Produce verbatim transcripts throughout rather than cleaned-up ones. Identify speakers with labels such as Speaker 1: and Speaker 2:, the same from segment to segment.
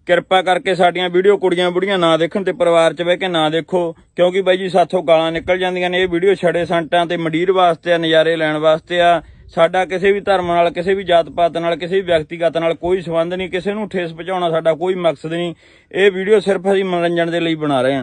Speaker 1: ਕਿਰਪਾ ਕਰਕੇ ਸਾਡੀਆਂ ਵੀਡੀਓ ਕੁੜੀਆਂ ਬੁੜੀਆਂ ਨਾ ਦੇਖਣ ਤੇ ਪਰਿਵਾਰ 'ਚ ਬਹਿ ਕੇ ਨਾ ਦੇਖੋ, ਕਿਉਂਕਿ ਬਾਈ ਜੀ ਸਾਥੋਂ ਗਾਲਾਂ ਨਿਕਲ ਜਾਂਦੀਆਂ ਨੇ। ਇਹ ਵੀਡੀਓ ਛੜੇ ਸੰਟਾਂ ਤੇ ਮੰਡੀਰ ਵਾਸਤੇ ਆ, ਨਜ਼ਾਰੇ ਲੈਣ ਵਾਸਤੇ ਆ। ਸਾਡਾ ਕਿਸੇ ਵੀ ਧਰਮ ਨਾਲ, ਕਿਸੇ ਵੀ ਜਾਤ ਪਾਤ ਨਾਲ, ਕਿਸੇ ਵੀ ਵਿਅਕਤੀਗਤ ਨਾਲ ਕੋਈ ਸੰਬੰਧ ਨਹੀਂ। ਕਿਸੇ ਨੂੰ ਠੇਸ ਪਹੁੰਚਾਉਣਾ ਸਾਡਾ ਕੋਈ ਮਕਸਦ ਨਹੀਂ। ਇਹ ਵੀਡੀਓ ਸਿਰਫ ਅਸੀਂ ਮਨੋਰੰਜਨ ਦੇ ਲਈ ਬਣਾ ਰਹੇ ਹਾਂ।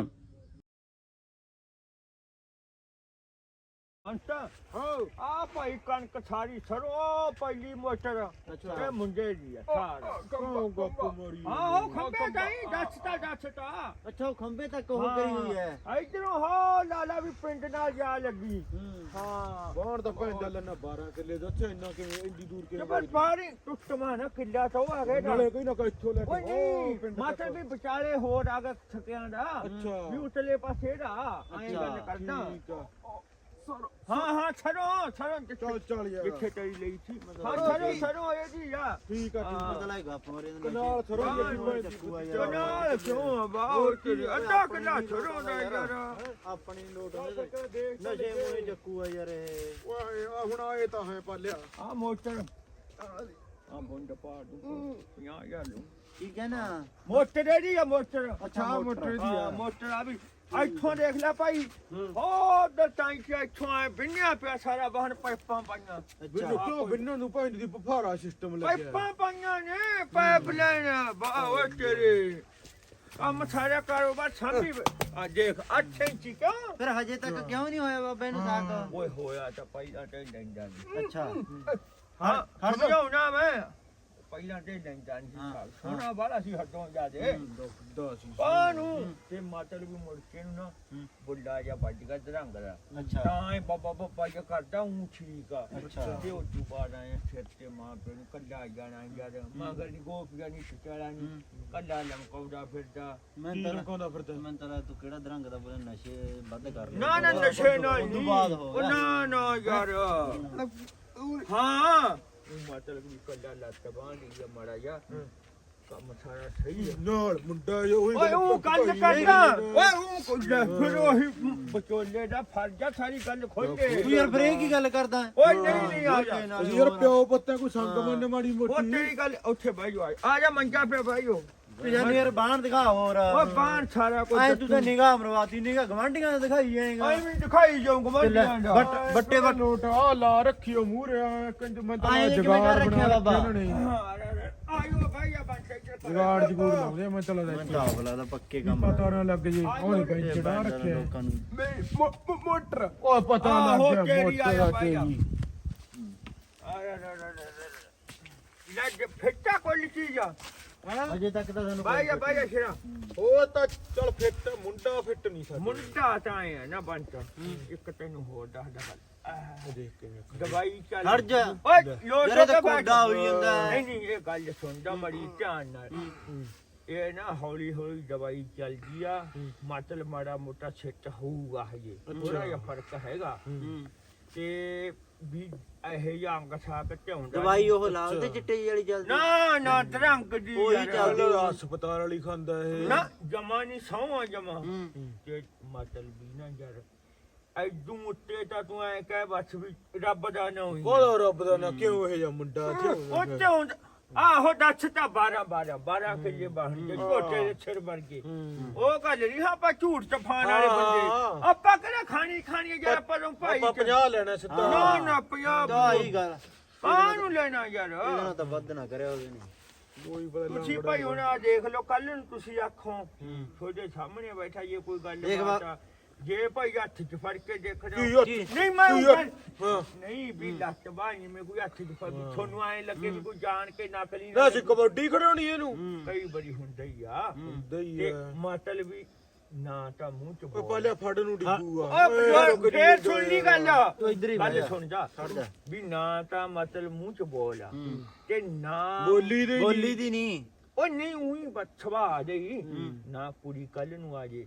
Speaker 1: ਆ ਭਾਈ ਕਣਕ ਸਾਰੀ ਸਰੋ ਪਹਿਲੀ ਮੋਟਰ ਇਹ ਮੁੰਡੇ ਦੀ ਆ ਸਾਰਾ। ਆਹੋ ਖੰਬੇ ਤਾਈ ਦੱਸਤਾ ਦੱਸਤਾ।
Speaker 2: ਅੱਛਾ ਉਹ ਖੰਬੇ ਤੱਕ ਉਹ ਕਰੀ ਹੋਈ ਹੈ।
Speaker 1: ਇਧਰੋਂ ਹੋ ਲਾਲਾ ਵੀ ਪਿੰਡ ਨਾਲ ਜਾ ਲੱਗੀ। ਹਾਂ
Speaker 3: ਬਾਹਰ ਤਾਂ ਪੈਂਦਾ ਲੈਣਾ ਬਾਰਾਂ ਕਿੱਲੇ ਦਾ। ਅੱਛਾ ਇੰਨਾ ਕਿਵੇਂ ਇੰਨੀ ਦੂਰ ਕਿਵੇਂ
Speaker 1: ਪਰ ਬਾਰੀ ਟੁੱਟਮਾ ਨਾ ਕਿੱਲਾ ਤੋਂ ਆ ਗਏ
Speaker 3: ਨਾਲੇ ਕੋਈ ਨਾ ਕੋਈ ਇੱਥੋਂ ਲੈ
Speaker 1: ਓਏ ਨਹੀਂ ਮਾਤਰ ਵੀ ਵਿਚਾਲੇ ਹੋਰ ਆ ਗਏ ਥਕਿਆਂ ਦਾ ਵੀ ਉਤਲੇ ਪਾਸੇ ਦਾ ਐਂ ਗੱਲ ਕਰਦਾ। ਹਾਂ ਹਾਂ ਛੜੋ ਛੜੋ
Speaker 3: ਚੱਲ ਚੱਲ ਯਾਰ
Speaker 1: ਜਿੱਥੇ ਤੇਰੀ ਲਈ ਸੀ। ਹਾਂ ਛੜੋ ਛੜੋ ਇਹ ਜੀ ਆ।
Speaker 3: ਠੀਕ ਆ ਠੀਕ ਆ
Speaker 2: ਪਤਾ ਲੱਗਾ ਫੋਰੇ ਦੇ
Speaker 3: ਕਨਾਲ ਸਰੋਂ
Speaker 1: ਕਨਾਲ ਕਿਉਂ ਬਾਹਰ ਤੇਰੀ ਅੱਧਾ ਕਿੱਲਾ ਛੜੋ ਦਾ ਯਾਰ।
Speaker 2: ਆਪਣੀ ਨੋਟ ਨਸ਼ੇ ਮੋਏ ਚੱਕੂ ਆ ਯਾਰ ਇਹ।
Speaker 3: ਓਏ ਆ ਹੁਣ ਆਏ ਤਾਂ ਹੈ ਪਾਲਿਆ
Speaker 1: ਆ ਮੋਟਰ ਆ ਬੰਦ ਪਾ ਦੂੰ ਪੰਜਾਹ ਹਜ਼ਾਰ ਲੂੰ।
Speaker 2: ਠੀਕ ਹੈ ਨਾ
Speaker 1: ਮੋਟਰ ਇਹਦੀ ਆ ਮੋਟਰ।
Speaker 3: ਅੱਛਾ ਮੋਟਰ ਦੀ ਆ
Speaker 1: ਮੋਟਰ ਆ ਵੀ ਇੱਥੋਂ ਦੇਖ ਲੈ ਭਾਈ ਉਧਰ ਟਾਈਂ ਕਿ ਇੱਥੋਂ ਆਏ ਬਿੰਨਿਆ ਪਿਆ ਸਾਰਾ ਬਾਹਰ ਪਾਈਪਾਂ ਪਾਈਆਂ।
Speaker 3: ਬਿੰਨੂ ਕਿਉਂ ਬਿੰਨੂ ਨੂੰ ਪੈਂਦੀ ਦੀ ਬਫਾਰਾ ਸਿਸਟਮ ਲੱਗਿਆ
Speaker 1: ਪਾਈਪਾਂ ਪਾਈਆਂ ਨੇ ਪਾਈਪ ਲਾਈਨ ਬਾਹ ਤੇਰੇ ਕੰਮ ਸਾਰਾ ਕਾਰੋਬਾਰ ਸਾਂਭੀ ਆ ਦੇਖ ਅੱਠ ਇੰਚੀ ਕਿਉਂ।
Speaker 2: ਫਿਰ ਹਜੇ ਤੱਕ ਕਿਉਂ ਨਹੀਂ ਹੋਇਆ ਬਾਬੇ ਨੂੰ ਸਾਕ।
Speaker 1: ਓਏ ਹੋਇਆ ਤਾਂ ਪਹਿਲਾਂ ਤੇ ਲੈਂਦਾ ਨਹੀਂ।
Speaker 2: ਅੱਛਾ
Speaker 1: ਹਾਂ ਸਮਝਾਉਣਾ ਮੈਂ ਪਹਿਲਾਂ ਤੇ ਲੈਂਦਾ ਨਹੀਂ। ਸੋਨਾ ਵਾਲਾ ਸੀ ਹੱਦੋਂ ਜਾ ਦੇ ਪਾਨੂੰ ਤੇ ਮਾਤਲ ਵੀ ਮੁੜ ਕੇ ਨੂੰ ਨਾ ਬੁੱਢਾ ਜਿਹਾ ਵੱਜ ਗਿਆ ਦਰੰਗ ਦਾ।
Speaker 2: ਅੱਛਾ
Speaker 1: ਤਾਂ ਇਹ ਬਾਬਾ ਬਾਬਾ ਜਿਹਾ ਕਰਦਾ ਹੂੰ ਠੀਕ ਆ। ਤੇ ਉਹ ਤੋਂ ਬਾਅਦ ਆਏ ਸਿਰ ਤੇ ਮਾਂ ਪਿਓ ਨੂੰ ਕੱਲਾ ਜਾਣਾ ਯਾਰ ਮਗਰ ਨਹੀਂ ਗੋਪੀਆ ਨਹੀਂ ਛੁਟਿਆ ਨਹੀਂ ਕੱਲਾ ਲਮਕਾਉਂਦਾ ਫਿਰਦਾ।
Speaker 2: ਮੈਂ
Speaker 3: ਕੀ
Speaker 2: ਤਾਂ
Speaker 3: ਲਮਕਾਉਂਦਾ ਫਿਰਦਾ
Speaker 2: ਮੈਂ ਤਾਂ ਤੂੰ ਕਿਹੜਾ ਦਰੰਗ ਦਾ ਬੋਲੇ ਨਸ਼ੇ ਵੱਧ ਕਰ ਲੈ।
Speaker 1: ਨਾ ਨਾ ਨਸ਼ੇ ਨਾਲ
Speaker 2: ਉਸ ਤੋਂ
Speaker 1: ਨਹੀਂ
Speaker 2: ਬਾਅਦ ਹੋ ਗਿਆ।
Speaker 1: ਨਾ ਨਾ ਯਾਰ ਹਾਂ ਮਾਤਲ ਵੀ ਕੱਲਾ ਲੱਤ ਬਾਂਹ ਲਈ ਆ ਮਾੜਾ ਜਿਹਾ ਕੰਮ ਸਾਰਾ ਸਹੀ ਹੈ।
Speaker 3: ਨਾਲ ਮੁੰਡਾ ਜੋ ਉਹੀ
Speaker 1: ਓਏ ਉਹ ਗੱਲ ਕਰਦਾ ਓਏ ਉਹ ਕੁੱਲਾ ਫਿਰ ਉਹੀ ਬਚੋਲੇ ਦਾ ਫਰਜ਼ ਆ ਸਾਰੀ ਗੱਲ ਖੋਲੇ।
Speaker 2: ਤੂੰ ਯਾਰ ਫਿਰ ਇਹ ਕੀ ਗੱਲ ਕਰਦਾ।
Speaker 1: ਓਏ ਨਹੀਂ ਨਹੀਂ ਆ ਜਾ
Speaker 3: ਅਸੀਂ ਯਾਰ ਪਿਓ ਪੁੱਤਾਂ ਕੋਈ ਸੰਗ ਮੰਨ ਮਾੜੀ
Speaker 1: ਉਹ
Speaker 3: ਮੋਟੀ
Speaker 1: ਤੇਰੀ ਗੱਲ ਉੱਥੇ ਬਹਿ ਜਾ ਆ ਜਾ ਮੰਜਾ ਪਿਆ ਬਹਿ ਜਾ।
Speaker 2: ਯਾਰ ਯਾਰ ਬਾਹਰ ਦਿਖਾ ਹੋਰ
Speaker 1: ਓਏ ਬਾਣ ਸਾਰਾ ਕੁਝ
Speaker 2: ਐ ਤੂੰ ਤਾਂ ਨਿਗਾਹ ਮਰਵਾਤੀ ਨਿਗਾਹ ਗਵਾਂਢੀਆਂ ਦਾ ਦਿਖਾਈ ਜਾਏਗਾ।
Speaker 1: ਐਵੇਂ ਦਿਖਾਈ ਜਾਊਂਗਾ ਮੈਂ
Speaker 2: ਬੱਟ ਬੱਟੇ ਬੱਟ
Speaker 3: ਨੋਟ ਆ ਲਾ ਰੱਖਿਓ ਮੂਹਰੇ ਆ ਕੰਜ ਮੈਂ ਤਾਂ
Speaker 2: ਆਏਂ ਕਿਵੇਂ
Speaker 3: ਜਗਾੜ
Speaker 2: ਕਰ ਰੱਖਿਆ
Speaker 3: ਬਣਾ
Speaker 2: ਬਾਬਾ?
Speaker 3: ਰੱਖਿਆ ਇਹਨਾਂ ਨੇ
Speaker 1: ਆਇਓ ਭਾਈ ਆ ਬੰਦ
Speaker 3: ਜਗਾੜ ਜਗੂੜ ਲਾਉਂਦੇ ਮੈਂ ਚਲਾ
Speaker 2: ਮੈਂ
Speaker 3: ਦਾ
Speaker 2: ਤਾਂ ਆਪ ਲੱਗਦਾ ਪੱਕੇ ਕੰਮ
Speaker 3: ਪਤਾ ਨਾ ਲੱਗ ਜੇ ਉਹਨੇ ਬੈਂਚ ਚੜਾ ਰੱਖਿਆ
Speaker 2: ਲੋਕਾਂ ਨੂੰ।
Speaker 3: ਮੋਟਰ ਉਹ ਪਤਾ
Speaker 1: ਆਹੋ,
Speaker 3: ਲੱਗ ਗਿਆ
Speaker 1: ਤੇਰੀ ਆਇਆ
Speaker 3: ਮੋਟਰ
Speaker 1: ਭਾਈ ਆ।
Speaker 3: ਤੇਰੀ
Speaker 1: ਲੱਗ ਫਿੱਟਾ ਕੋਈ ਚੀਜ਼ ਆ
Speaker 2: ਅਜੇ ਤੱਕ ਤਾਂ ਸਾਨੂੰ
Speaker 1: ਭਾਈ ਆ ਭਾਈ ਆ ਸ਼ੇਰਾ
Speaker 3: ਉਹ ਤਾਂ ਚਲ ਫਿੱਟ ਮੁੰਡਾ ਫਿੱਟ ਨਹੀਂ ਸਕਦਾ
Speaker 1: ਮੁੰਡਾ ਤਾਂ ਆਇਆ ਨਾ ਬੰਟ ਇੱਕ ਤੈਨੂੰ ਹੋਰ ਦੱਸਦਾ ਗੱਲ
Speaker 3: ਦੇਖ ਕੇ
Speaker 1: ਦਵਾਈ ਚੱਲ
Speaker 2: ਹਟ ਜਾ।
Speaker 1: ਓਏ ਲੋਟ
Speaker 2: ਯਾਰ ਇਹ ਤਾਂ ਕੋਡਾ ਹੋਈ ਜਾਂਦਾ ਹੈ।
Speaker 1: ਨਹੀਂ ਨਹੀਂ ਇਹ ਗੱਲ ਸੁਣਦਾ ਬੜੀ ਧਿਆਨ ਨਾਲ। ਇਹ ਨਾ ਹੌਲੀ ਹੌਲੀ ਦਵਾਈ ਚੱਲਦੀ ਆ ਮਤਲਬ ਮਾੜਾ ਮੋਟਾ ਸਿੱਟ ਹੋਊਗਾ ਹਜੇ ਥੋੜਾ ਜਿਹਾ ਫਰਕ ਹੈਗਾ ਤੇ ਵੀ ਇਹ ਜਾਂ ਅੰਗ ਸਾਕ ਝਾਉਂਦਾ
Speaker 2: ਦਵਾਈ ਉਹ ਲਾਲ ਤੇ ਚਿੱਟੇ ਜਿਹੀ ਵਾਲੀ ਚੱਲਦੀ।
Speaker 1: ਨਾ ਨਾ ਦਰੰਗ ਦੀ
Speaker 2: ਉਹੀ
Speaker 1: ਯਾਰ।
Speaker 2: ਚੱਲਦੀ।
Speaker 3: ਹਸਪਤਾਲ ਵਾਲੀ ਖਾਂਦਾ ਇਹ
Speaker 1: ਨਾ ਜਮਾ ਨਹੀਂ ਸੌਂ ਜਮਾ ਤੇ ਮਤਲਬ ਵੀ ਨਾ ਯਾਰ ਐਦੂ ਉੱਤੇ ਤਾਂ ਤੂੰ ਐ ਕਹਿ ਬਸ ਵੀ ਰੱਬ ਦਾ ਨਾ ਹੋਈ
Speaker 3: ਕੋਲ ਰੱਬ ਦਾ ਨਾ ਕਿਉਂ ਇਹ ਜਿਹਾ ਮੁੰਡਾ
Speaker 1: ਉਹ ਝਾਉਂਦਾ ਆਹੋ ਦੱਸ ਤਾਂ ਬਾਰਾਂ ਬਾਰਾਂ ਬਾਰਾਂ ਕਿੱਲੇ ਬਾਹਰ ਜੇ ਛੋਟੇ ਦੇ ਸਿਰ ਵਰਗੇ ਉਹ ਗੱਲ ਨਹੀਂ ਆਪਾਂ ਝੂਠ ਚਫਾਨ ਵਾਲੇ ਬੰਦੇ ਆਪਾਂ ਕਿਹੜਾ ਖਾਣੀ ਖਾਣੀ ਯਾਰ ਆਪਾਂ ਨੂੰ ਭਾਈ
Speaker 3: ਆਪਾਂ ਪੰਜਾਹ ਲੈਣਾ ਸਿੱਧਾ
Speaker 1: ਨਾ ਨਾ ਪੰਜਾਹ
Speaker 2: ਤਾਂ ਹੀ ਗੱਲ
Speaker 1: ਕਾਹਨੂੰ ਲੈਣਾ ਯਾਰ
Speaker 2: ਇਹਦੇ ਨਾਲ ਤਾਂ ਵੱਧ ਨਾ ਕਰਿਆ ਉਹਦੇ ਨੇ।
Speaker 3: ਕੋਈ ਪਤਾ
Speaker 1: ਤੁਸੀਂ ਭਾਈ ਹੁਣ ਆ ਦੇਖ ਲਓ ਕੱਲ ਨੂੰ ਤੁਸੀਂ ਆਖੋ ਤੁਹਾਡੇ ਸਾਹਮਣੇ ਬੈਠਾ ਜੇ ਕੋਈ ਗੱਲ ਬਾਤ ਆ ਜੇ ਭਾਈ ਹੱਥ ਚ ਫੜ ਕੇ ਦੇਖਣਾ ਨਹੀਂ ਮੈਂ ਨਹੀਂ ਵੀ ਲੱਤ ਬਾਣੀ ਮੈਂ ਕੋਈ ਹੱਥ ਚ ਫੜ ਤੁਹਾਨੂੰ ਐ ਲੱਗੇ ਵੀ ਕੋਈ ਜਾਣ ਕੇ ਨਕਲੀ
Speaker 3: ਨਾ ਸੀ ਕਬੱਡੀ ਖੜਾਉਣੀ ਇਹਨੂੰ
Speaker 1: ਕਈ ਵਾਰੀ ਹੁੰਦਾ ਹੀ ਆ
Speaker 3: ਹੁੰਦਾ ਹੀ
Speaker 1: ਤੇ
Speaker 3: ਆ
Speaker 1: ਮਤਲਬ ਵੀ ਨਾ ਤਾਂ ਮੂੰਹ ਚ
Speaker 3: ਉਹ ਪਹਿਲੇ ਫੜ ਨੂੰ ਡਿੱਗੂਗਾ
Speaker 1: ਓਏ ਫੇਰ ਸੁਣ ਲਈ ਗੱਲ
Speaker 2: ਤੂੰ ਇੱਧਰ ਹੀ
Speaker 1: ਗੱਲ ਸੁਣ ਜਾ ਵੀ ਨਾ ਤਾਂ ਮਤਲਬ ਮੂੰਹ ਚ ਬੋਲ ਆ ਤੇ ਨਾ
Speaker 3: ਬੋਲੀ ਦੇ
Speaker 2: ਬੋਲੀ ਦੀ ਨਹੀਂ
Speaker 1: ਉਹ ਨਹੀਂ ਉਹੀ ਬਛਵਾ ਆ ਜਾਈ ਨਾ ਕੁੜੀ ਕੱਲ ਨੂੰ ਆ ਜੇ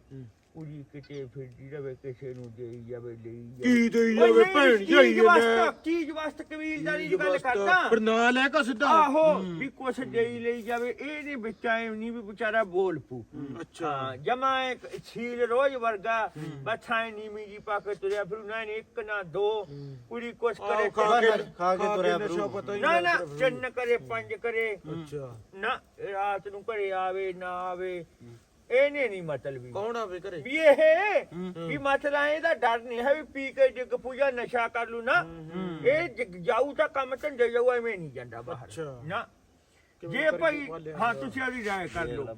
Speaker 1: ਕੁੜੀ ਕਿਤੇ ਫਿਰਦੀ ਰਵੇ ਕਿਸੇ ਨੂੰ ਦੇਈ ਜਾਵੇ ਲਈ ਜਾਵੇ
Speaker 3: ਕੀ ਦੇਈ
Speaker 1: ਓਏ
Speaker 3: ਜਾਵੇ
Speaker 1: ਨਹੀਂ,
Speaker 3: ਭੈਣ
Speaker 1: ਚੀਜ਼
Speaker 3: ਜਾਈ
Speaker 1: ਵਾਸਤੇ ਚੀਜ਼ ਵਾਸਤੇ ਕਬੀਲਦਾਰੀ ਦੀ ਗੱਲ ਕਰਦਾ
Speaker 3: ਪਰ ਨਾ ਲੈ ਕੇ ਸਿੱਧਾ
Speaker 1: ਆਹੋ ਵੀ ਕੁਛ ਦੇਈ ਲਈ ਜਾਵੇ ਇਹ ਨਹੀਂ ਵਿੱਚ ਐ ਨਹੀਂ ਵੀ ਵਿਚਾਰਾ ਬੋਲ ਪੂ
Speaker 3: ਅੱਛਾ
Speaker 1: ਹਾਂ ਜਮਾ ਇੱਕ ਛੀਲ ਰੋਜ਼ ਵਰਗਾ ਬੱਛਾਂ ਨੀਵੀਂ ਜੀ ਪਾ ਕੇ ਤੁਰਿਆ ਫਿਰ ਨਾ ਇੱਕ ਨਾ ਦੋ ਕੁੜੀ ਕੁਛ ਕਰੇ
Speaker 3: ਆਹੋ, ਖਾ ਕੇ
Speaker 2: ਖਾ ਕੇ ਤੁਰਿਆ
Speaker 3: ਨਸ਼ਾ
Speaker 2: ਫਿਰੂ।
Speaker 3: ਪਤਾ ਹੀ
Speaker 1: ਨਾ ਨਾ
Speaker 3: ਲੱਗਦਾ ਫਿਰ।
Speaker 1: ਚੰਨ ਕਰੇ ਪੰਜ ਕਰੇ
Speaker 3: ਅੱਛਾ
Speaker 1: ਨਾ ਰਾਤ ਨੂੰ ਘਰੇ ਆਵੇ ਨਾ ਆਵੇ ਇਹਨੇ ਨਹੀਂ ਮਤਲਬ ਵੀ
Speaker 3: ਕੌਣ ਆਵੇ ਘਰੇ
Speaker 1: ਵੀ ਇਹ ਵੀ ਮਸਲਾ ਇਹਦਾ ਡਰ ਨਹੀਂ ਹੈ ਵੀ ਪੀ ਕੇ ਜਿੱਗ ਪੂਜਾ ਨਸ਼ਾ ਕਰ ਲੂ ਨਾ ਇਹ ਜਿੱਗ ਜਾਊ ਤਾਂ ਕੰਮ ਧੰਦੇ ਜਾਊ ਐਵੇਂ ਨਹੀਂ ਜਾਂਦਾ ਬਾਹਰ
Speaker 3: ਅੱਛਾ।
Speaker 1: ਨਾ
Speaker 3: ਕਿਵੇਂ
Speaker 1: ਜੇ
Speaker 3: ਕਰਕੇ
Speaker 1: ਭਾਈ
Speaker 3: ਪਾਲਿਆ
Speaker 1: ਹਾਂ
Speaker 3: ਹੋਇਆ?
Speaker 1: ਤੁਸੀਂ ਆਦੀ ਰਾਏ ਕਰ ਲਓ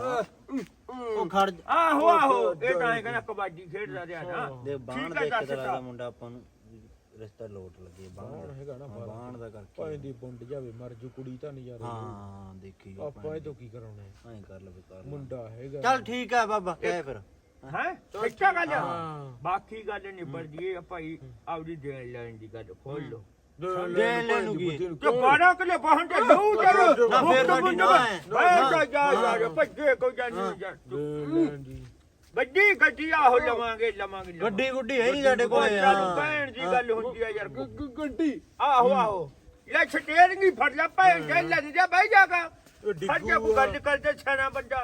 Speaker 2: ਉਹ ਖੜ
Speaker 1: ਆਹੋ ਆਹੋ ਇਹ ਤਾਂ ਇਹ ਕਹਿੰਦਾ ਕਬੱਡੀ ਖੇਡਦਾ ਰਿਹਾ ਨਾ
Speaker 2: ਦੇ ਬਾਣ
Speaker 1: ਠੀਕ
Speaker 2: ਦੇ
Speaker 1: ਹੈ
Speaker 2: ਇੱਕ
Speaker 1: ਦੱਸ
Speaker 2: ਤਰ੍ਹਾਂ
Speaker 1: ਤਾ।
Speaker 2: ਦਾ ਮੁੰਡਾ ਆਪਾਂ ਨੂੰ ਰਿਸ਼ਤਾ ਲੋਟ ਲੱਗੇ ਬਾਣ
Speaker 3: ਬਾਣ ਹੈਗਾ ਨਾ
Speaker 2: ਹਾਂ, ਬਾਣ ਦਾ ਕਰਕੇ
Speaker 3: ਭਾਵੇਂ ਦੀ ਬੁੰਡ ਜਾਵੇ ਮਰ ਜੂ ਕੁੜੀ ਤਾਂ ਨਹੀਂ ਯਾਰ
Speaker 2: ਹਾਂ ਦੇਖੀ
Speaker 3: ਆਪਾਂ ਇਹ ਤੋਂ ਕੀ ਕਰਾਉਣਾ ਹੈ?
Speaker 2: ਐਂ ਕਰ ਲਵੇ ਕਰ
Speaker 3: ਮੁੰਡਾ ਹੈਗਾ
Speaker 2: ਚੱਲ ਠੀਕ ਆ ਬਾਬਾ ਕਹਿ ਫਿਰ
Speaker 1: ਹੈ ਸੱਚਾ ਗੱਲ ਆ
Speaker 3: ਹਾਂ।
Speaker 1: ਬਾਕੀ ਗੱਲ ਨਿਬੜ ਜੀ ਭਾਈ ਆਪਦੀ ਦੇਣ ਲੈਣ ਦੀ ਗੱਲ ਖੋਲ ਲਓ
Speaker 2: ਦੇ ਲੈ ਨੂੰ ਕੀ?
Speaker 1: ਤੇ ਬਾਰਾਂ ਕਿਲੇ ਬਾਹਨ ਤੇ ਲਊ ਚਲੋ
Speaker 2: ਨਾ ਫੇਰ ਸਾਡੀ ਨਾ ਹੈ।
Speaker 1: ਬੈ ਜਾ ਜਾ ਜਾ ਭੱਜੇ ਕੋ ਜਾਨੀ ਜਾ
Speaker 3: ਜੀ
Speaker 1: ਗੱਡੀ ਗੱਡੀ ਆਹੋ ਲਵਾਂਗੇ ਲਵਾਂਗੇ
Speaker 2: ਗੱਡੀ ਗੁੱਡੀ ਹੈ ਨਹੀਂ ਸਾਡੇ ਕੋਲ
Speaker 1: ਚੱਲ ਭੈਣ ਦੀ ਗੱਲ ਹੁੰਦੀ ਆ ਯਾਰ
Speaker 3: ਗੱਡੀ
Speaker 1: ਆਹੋ ਆਹੋ ਲੈ ਸਟੇਰਿੰਗ ਹੀ ਫੜ ਲੈ ਭੈਣ ਦੇ ਲੱਗ ਜਾ ਬਹਿ ਜਾਗਾ ਫੜ ਜਾ ਕੋ ਗੱਲ ਕਰਦੇ ਛਾਣਾ ਬੰਦਾ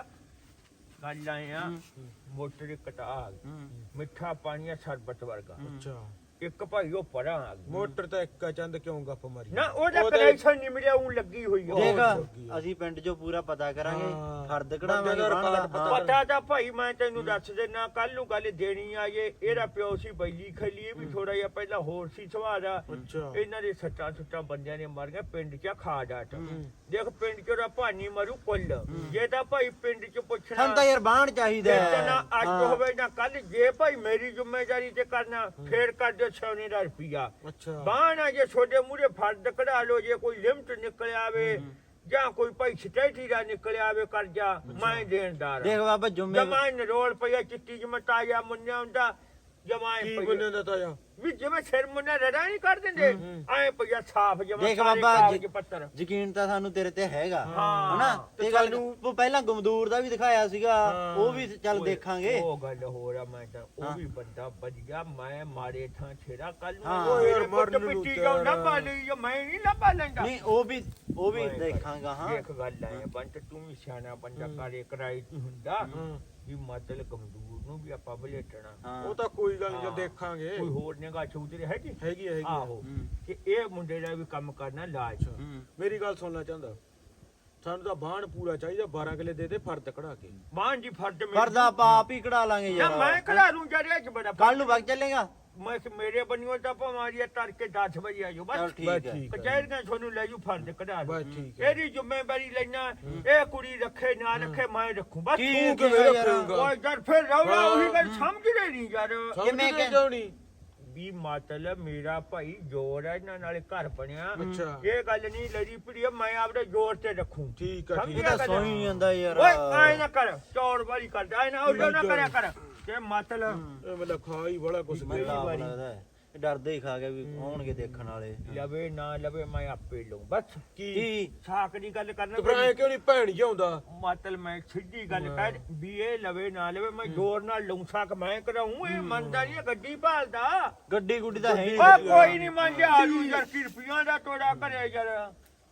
Speaker 1: ਗੱਲ ਆਇਆ ਮੋਟਰ ਕਟਾ ਮਿੱਠਾ ਪਾਣੀ ਆ ਸਰਬਤ ਵਰਗਾ
Speaker 3: ਅੱਛਾ
Speaker 1: ਇੱਕ ਭਾਈ ਉਹ ਪਰਾਂ ਆ ਗਿਆ।
Speaker 3: ਮੋਟਰ ਤਾਂ ਇੱਕ ਆ ਚੰਦ ਕਿਉਂ ਗੱਪ ਮਾਰੀ
Speaker 1: ਨਾ ਉਹਦਾ ਕਨੈਕਸ਼ਨ ਨਹੀਂ ਮਿਲਿਆ ਉਹ ਲੱਗੀ ਹੋਈ ਆ
Speaker 2: ਦੇਖ ਅਸੀਂ ਪਿੰਡ 'ਚੋਂ ਪੂਰਾ ਪਤਾ ਕਰਾਂਗੇ
Speaker 3: ਹਾਂ।
Speaker 2: ਫਰਦ ਕਢਾਵਾਂਗੇ
Speaker 3: ਬੰਦੇ ਦਾ
Speaker 2: ਬਾਣ ਦਾ
Speaker 3: ਰਿਕਾਰਡ
Speaker 2: ਹਾਂ।
Speaker 1: ਪਤਾ ਤਾਂ ਭਾਈ ਮੈਂ ਤੈਨੂੰ ਦੱਸ ਦੇਣਾ ਕੱਲ ਨੂੰ ਗੱਲ ਦੇਣੀ ਆ ਜੇ ਇਹਦਾ ਪਿਓ ਸੀ ਬੈਲੀ ਖਲੀ ਇਹ ਵੀ ਥੋੜਾ ਜਿਹਾ ਪਹਿਲਾਂ ਹੋਰ ਸੀ ਸੁਭਾਅ ਦਾ
Speaker 3: ਅੱਛਾ
Speaker 1: ਇਹਨਾਂ ਦੇ ਸੱਟਾਂ ਸੁੱਟਾਂ ਬੰਦਿਆਂ ਨੇ ਮਾਰੀਆਂ ਪਿੰਡ 'ਚ ਖਾ ਡਾਟ ਦੇਖ ਪਿੰਡ 'ਚ ਉਹਦਾ ਭਾਨੀ ਮਰੂ ਕੁੱਲ ਜੇ ਤਾਂ ਭਾਈ ਪਿੰਡ 'ਚ ਪੁੱਛਣਾ
Speaker 2: ਸਾਨੂੰ ਤਾਂ ਯਾਰ ਬਾਣ ਚਾਹੀਦਾ
Speaker 1: ਤੇ ਨਾ
Speaker 2: ਹੈ।
Speaker 1: ਅੱਜ
Speaker 2: ਹਾਂ।
Speaker 1: ਹੋਵੇ ਨਾ ਕੱਲ ਜੇ ਭਾਈ ਮੇਰੀ ਜ਼ਿੰਮੇਵਾਰੀ ਤੇ ਕਰਨਾ ਫੇਰ ਕਰ ਦਿਓ ਸੌਨੇ ਦਾ ਰੁਪਿਆ
Speaker 3: ਅੱਛਾ
Speaker 1: ਬਾਣਾ ਜੇ ਛੋਟੇ ਮੂਰੇ ਫਰਦ ਕਢਾ ਲੋ ਜੇ ਕੋਈ ਲਿਮਟ ਨਿਕਲ ਆਵੇ ਜਾਂ ਕੋਈ ਭਾਈ ਸਟੇਟੀ ਦਾ ਨਿਕਲ ਆਵੇ ਕਰਜ਼ਾ ਮੈਂ ਦੇਣਦਾਰ
Speaker 2: ਦੇਖ ਬਾਬਾ ਜੁਮੇ
Speaker 1: ਜਮਾਨ ਰੋਲ ਪਈਆ ਚਿੱਟੀ ਜਮਤਾ ਜਾਂ ਮੁੰਨਿਆ ਹੁੰਦਾ ਜਮਾਨ
Speaker 3: ਕੀ
Speaker 1: ਪਈਆ
Speaker 3: ਬੰਦੇ ਦਾ ਤਾਇਆ
Speaker 1: ਵੀ ਜਿਵੇਂ ਸਿਰ ਮੁੰਨਾ ਰੜਾ ਨਹੀਂ ਕਰ ਦਿੰਦੇ ਐ ਪਈਆ ਸਾਫ ਜਮਾ
Speaker 2: ਦੇਖ ਬਾਬਾ
Speaker 1: ਕਾਗਜ਼ ਪੱਤਰ
Speaker 2: ਯਕੀਨ ਤਾਂ ਸਾਨੂੰ ਤੇਰੇ ਤੇ ਹੈਗਾ
Speaker 1: ਹਾਂ।
Speaker 2: ਹਨਾ ਤੇ ਗੱਲ ਨੂੰ ਤੂੰ ਪਹਿਲਾਂ ਗਮਦੂਰ ਦਾ ਵੀ ਦਿਖਾਇਆ ਸੀਗਾ
Speaker 3: ਹਾਂ।
Speaker 2: ਉਹ ਵੀ ਚੱਲ ਦੇਖਾਂਗੇ
Speaker 1: ਉਹ ਗੱਲ ਹੋਰ ਆ ਮੈਂ ਤਾਂ ਉਹ ਵੀ ਬੰਦਾ ਵਧੀਆ ਮੈਂ ਮਾਰੇ ਥਾਂ ਛੇੜਾ ਕੱਲ ਨੂੰ
Speaker 2: ਹਾਂ।
Speaker 1: ਉਹ
Speaker 3: ਯਾਰ
Speaker 1: ਮੇਰੇ
Speaker 3: ਮਰਨ
Speaker 1: ਪੁੱਤ
Speaker 3: ਨੂੰ
Speaker 1: ਪਿੱਟੀ
Speaker 3: ਤਿਆਰ
Speaker 1: ਜਾਓ
Speaker 3: ਆ।
Speaker 1: ਲੱਭਾ ਲਈ ਜੋ ਮੈਂ ਨਹੀਂ ਲੱਭਾ ਲੈਂਦਾ
Speaker 2: ਨਹੀਂ ਉਹ ਵੀ ਉਹ ਵੀ
Speaker 1: ਮੈਂ
Speaker 2: ਦੇਖਾਂਗਾ ਹਾਂ
Speaker 1: ਦੇਖ ਗੱਲ ਆਏ ਬੰਤ ਤੂੰ ਵੀ ਸਿਆਣਾ ਬੰਦਾ ਕਰੇ ਕਰਾਈ ਨਹੀਂ ਹੁੰਦਾ
Speaker 3: ਹਾਂ।
Speaker 1: ਵੀ ਮਤਲਬ ਗਮਦੂਰ ਨੂੰ ਵੀ ਆਪਾਂ ਬਲੇਟਣਾ
Speaker 2: ਹਾਂ
Speaker 3: ਉਹ ਤਾਂ ਕੋਈ ਗੱਲ ਨਹੀਂ
Speaker 1: ਹਾਂ।
Speaker 3: ਦੇਖਾਂਗੇ
Speaker 1: ਕੋਈ ਹੋਰ ਨਿਗਾਹ ਚੌਧਰੀ ਹੈਗੀ
Speaker 3: ਹੈਗੀ ਆ, ਹੈਗੀ ਆ।
Speaker 1: ਆਹੋ
Speaker 2: ਹੂੰ।
Speaker 1: ਕਿ ਇਹ ਮੁੰਡੇ ਦਾ ਵੀ ਕੰਮ ਕਰਨਾ ਲਾਜ
Speaker 2: ਹੂੰ।
Speaker 3: ਮੇਰੀ ਗੱਲ ਸੁਣਨਾ ਚਾਹੁੰਦਾ ਸਾਨੂੰ ਤਾਂ ਬਾਣ ਪੂਰਾ ਚਾਹੀਦਾ ਬਾਰਾਂ ਕਿਲੇ ਦੇ ਦੇ ਫਰਦ ਕਢਾ ਕੇ
Speaker 1: ਮਾਂ ਜੀ ਫਰਦ ਮੇਰੇ
Speaker 2: ਪਰਦਾ ਆਪਾਂ ਆਪ ਹੀ ਕਢਾ ਲਾਂਗੇ
Speaker 1: ਨਾ ਮੈਂ
Speaker 2: ਯਾਰ
Speaker 1: ਕਢਾ ਲੂੰ ਜਰਿਆ ਚ ਬੜਾ
Speaker 2: ਕੱਲ ਨੂੰ ਵਗ ਚੱਲੇਗਾ
Speaker 1: ਮੈਂ ਕਿ ਮੇਰੇ ਬਣਿਓ ਤਾਂ ਪਮਾਰੀਆ ਤੜਕੇ ਦਸ ਵਜੇ ਆਜੋ
Speaker 2: ਚਲ
Speaker 1: ਬਸ
Speaker 2: ਠੀਕ
Speaker 3: ਬਸ
Speaker 2: ਹੈ
Speaker 3: ਠੀਕ ਹੈ
Speaker 1: ਕਚਹਿਰੀਆਂ ਤੁਹਾਨੂੰ ਲੈ ਜੂ ਫਰਦ ਕਢਾ ਲਓ।
Speaker 3: ਬਸ ਠੀਕ ਹੈ
Speaker 1: ਇਹਦੀ ਜ਼ਿੰਮੇਵਾਰੀ ਲੈਣਾ ਇਹ ਕੁੜੀ ਰੱਖੇ ਨਾ ਰੱਖੇ ਮੈਂ ਰੱਖੂ ਬਸ
Speaker 2: ਕੀ
Speaker 3: ਤੂੰ
Speaker 2: ਕਿਵੇਂ
Speaker 3: ਕਿਵੇਂ
Speaker 2: ਯਾਰ?
Speaker 3: ਰੱਖੇਂਗਾ?
Speaker 1: ਓਏ ਯਾਰ ਫਿਰ ਰੌਲਾ
Speaker 3: ਹਾਂ।
Speaker 1: ਉਹੀ ਗੱਲ ਸਮਝ ਰਹੇ ਨਹੀਂ ਯਾਰ
Speaker 2: ਕਿਵੇਂ
Speaker 3: ਕਿਵੇਂ
Speaker 2: ਕਿ-
Speaker 3: ਕਿਉਂ ਨਹੀਂ
Speaker 1: ਵੀ ਮਤਲਬ ਮੇਰਾ ਭਾਈ ਜੋਰ ਹੈ ਇਹਨਾਂ ਨਾਲੇ ਘਰ ਬਣਿਆ
Speaker 3: ਅੱਛਾ
Speaker 1: ਇਹ ਗੱਲ ਨਹੀਂ ਲੜੀ ਪੜੀ ਮੈਂ ਆਪਦੇ ਜੋਰ ਤੇ ਰੱਖੂ
Speaker 3: ਠੀਕ ਆ
Speaker 1: ਸਮਝ
Speaker 3: ਠੀਕ
Speaker 2: ਇਹ
Speaker 3: ਆ
Speaker 2: ਤਾਂ ਸੋਈ ਨਹੀਂ ਜਾਂਦਾ ਯਾਰ
Speaker 1: ਓਏ ਆਏ ਨਾ ਕਰ ਚੌੜ ਵਾਲੀ ਕਰ ਆਏ ਨਾ ਉਹ ਨਾ ਕਰਿਆ ਕਰ ਤੇ ਮਤਲਬ
Speaker 3: ਇਹ ਮਤਲਬ ਖਾ ਹੀ ਬੜਾ ਕੁਛ
Speaker 2: ਮੈਨੂੰ ਤਾਂ ਆਪ
Speaker 1: ਵਾਰੀ।
Speaker 2: ਲੱਗਦਾ ਹੈ ਇਹ ਡਰਦੇ ਹੀ ਖਾ ਗਿਆ ਵੀ ਆਉਣਗੇ ਦੇਖਣ ਵਾਲੇ
Speaker 1: ਲਵੇ ਨਾ ਲਵੇ ਮੈਂ ਆਪੇ ਲਊ ਬਸ
Speaker 3: ਕੀ
Speaker 2: ਕੀ
Speaker 1: ਸਾਕ ਦੀ ਗੱਲ ਕਰਨਾ
Speaker 3: ਤੇ ਫਿਰ ਐ ਕਿਉਂ ਨਹੀਂ ਭੈਣ ਜਿਉਂਦਾ
Speaker 1: ਮਤਲਬ ਮੈਂ ਸਿੱਧੀ ਗੱਲ ਕਰ ਵੀ ਇਹ ਲਵੇ ਨਾ ਲਵੇ ਮੈਂ ਜ਼ੋਰ ਨਾਲ ਲਊ ਸਾਕ ਮੈਂ ਕਰਾਉਂ ਇਹ ਮੰਨਦਾ ਨਹੀਂ ਗੱਡੀ ਭਾਲਦਾ
Speaker 2: ਗੱਡੀ ਗੁੱਡੀ ਤਾਂ ਹੈ ਹੀ
Speaker 1: ਓ
Speaker 2: ਨਹੀਂ
Speaker 1: ਕੋਈ ਨਹੀਂ ਮੰਨਿਆ ਆਲੂ ਯਾਰ ਕੀ ਰੁਪਈਆਂ ਦਾ ਤੋੜਾ ਕਰਿਆ ਯਾਰ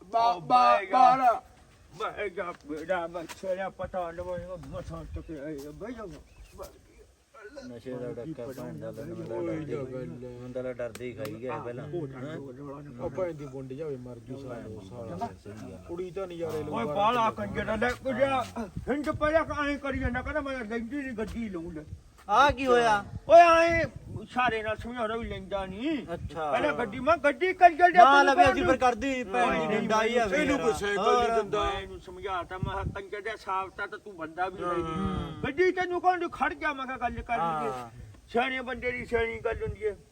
Speaker 3: ਬਾਰਾ
Speaker 1: ਬੈ ਜਾ ਬੇੜਾ ਬੱਚਾ ਪਤਾ ਲਵਾਂਗਾ ਮਸਾਂ ਤੱਕ ਬੈ ਜਾ
Speaker 2: ਨਸ਼ੇ ਦਾ ਡੱਕਾ ਭੈਣ ਦਾ ਮੈਨੂੰ ਤਾਂ ਡਰਦੇ ਹੀ ਖਾਈ ਗਿਆ ਪਹਿਲਾਂ
Speaker 3: ਉਹ ਭੈਣ ਦੀ ਬੁੰਡ ਜਾਵੇ ਮਰ ਜੂ ਸਾਲੋ ਸਾਲਾ ਕੁੜੀ ਤਾਂ ਨਜ਼ਾਰੇ ਲਊ
Speaker 1: ਓਏ ਬਾਲਾ ਕੰਜਰ ਲੈ ਕੁੜਿਆ ਹਿੰਦ ਪਿਆ ਐਂ ਕਰੀ ਜਾਂਦਾ ਕਹਿੰਦਾ ਮੈਂ ਲੈਂਦੀ ਨਹੀਂ ਗੱਡੀ ਲਊ ਲੈ
Speaker 2: ਆ ਕੀ ਹੋਇਆ
Speaker 1: ਓਏ ਐਂ ਸਾਰੇ ਨਾਲ ਸਮਝਾਉਣਾ ਵੀ ਲੈਂਦਾ ਨਹੀਂ
Speaker 2: ਅੱਛਾ
Speaker 1: ਪਹਿਲਾਂ ਗੱਡੀ ਮੈਂ ਗੱਡੀ ਕਰ ਜਲ
Speaker 2: ਨਾ ਲਵੇ ਅਸੀਂ ਫਿਰ ਕਰਦੀ ਭੈਣ ਦੀ ਡੰਡਾਈ ਆ
Speaker 3: ਇਹਨੂੰ ਕੋਈ ਸਾਈਕਲ ਨਹੀਂ ਦਿੰਦਾ
Speaker 1: ਮੈਂ ਇਹਨੂੰ ਸਮਝਾਤਾ ਮੈਂ ਕਿਹਾ ਕੰਜਰ ਦੇ ਸਾਫਤਾ ਤਾਂ ਤੂੰ ਬੰਦਾ ਵੀ ਨਹੀਂ ਗੱਡੀ ਤੈਨੂੰ ਕੌਣ ਖੜ ਜਾ ਮੈਂ ਕਿਹਾ ਗੱਲ ਕਰ ਲਈਏ
Speaker 2: ਹਾਂ।
Speaker 1: ਸਿਆਣੇ ਬੰਦੇ ਦੀ ਸਿਆਣੀ ਗੱਲ ਹੁੰਦੀ ਹੈ